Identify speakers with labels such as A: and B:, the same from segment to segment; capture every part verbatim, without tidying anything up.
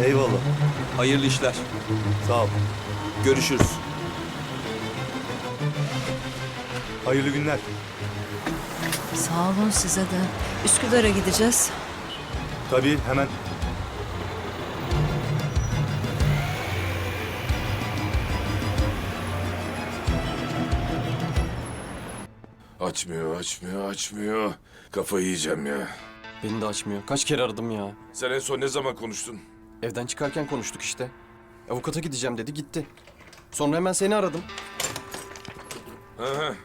A: Eyvallah.
B: Hayırlı işler.
A: Sağ ol.
B: Görüşürüz.
A: Hayırlı günler.
C: Sağ olun size de. Üsküdar'a gideceğiz.
A: Tabii hemen.
D: Açmıyor, açmıyor, açmıyor. Kafayı yiyeceğim ya.
E: Beni de açmıyor. Kaç kere aradım ya.
D: Sen en son ne zaman konuştun?
E: Evden çıkarken konuştuk işte. Avukata gideceğim dedi, gitti. Sonra hemen seni aradım.
D: Hı hı.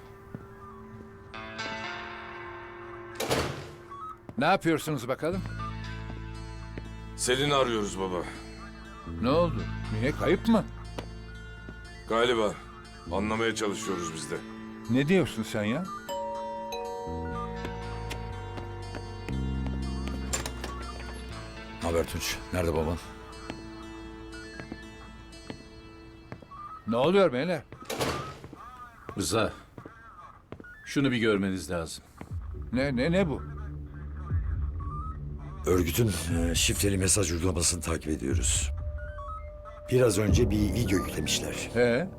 F: Ne yapıyorsunuz bakalım?
D: Selin'i arıyoruz baba.
F: Ne oldu? Niye, kayıp mı?
D: Galiba. Anlamaya çalışıyoruz biz de.
F: Ne diyorsun sen ya?
G: Haber Tunç? Nerede baban?
F: Ne oluyor beyler?
H: Rıza, şunu bir görmeniz lazım.
F: Ne ne ne bu?
G: Örgütün e, şifreli mesaj uygulamasını takip ediyoruz. Biraz önce bir video yüklemişler.
F: He?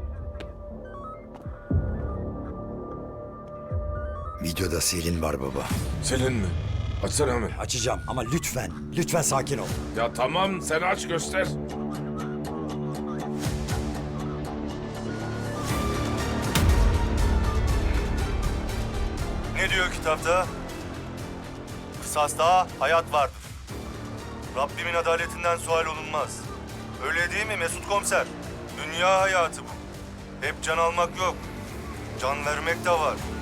G: Videoda Selin var baba.
D: Selin mi? Açsana hemen.
G: Açacağım ama lütfen, lütfen sakin ol.
D: Ya tamam, sen aç göster.
A: Ne diyor kitapta? Kısasta hayat vardır. Rabbimin adaletinden sual olunmaz. Öyle değil mi Mesut Komiser? Dünya hayatı bu. Hep can almak yok. Can vermek de var.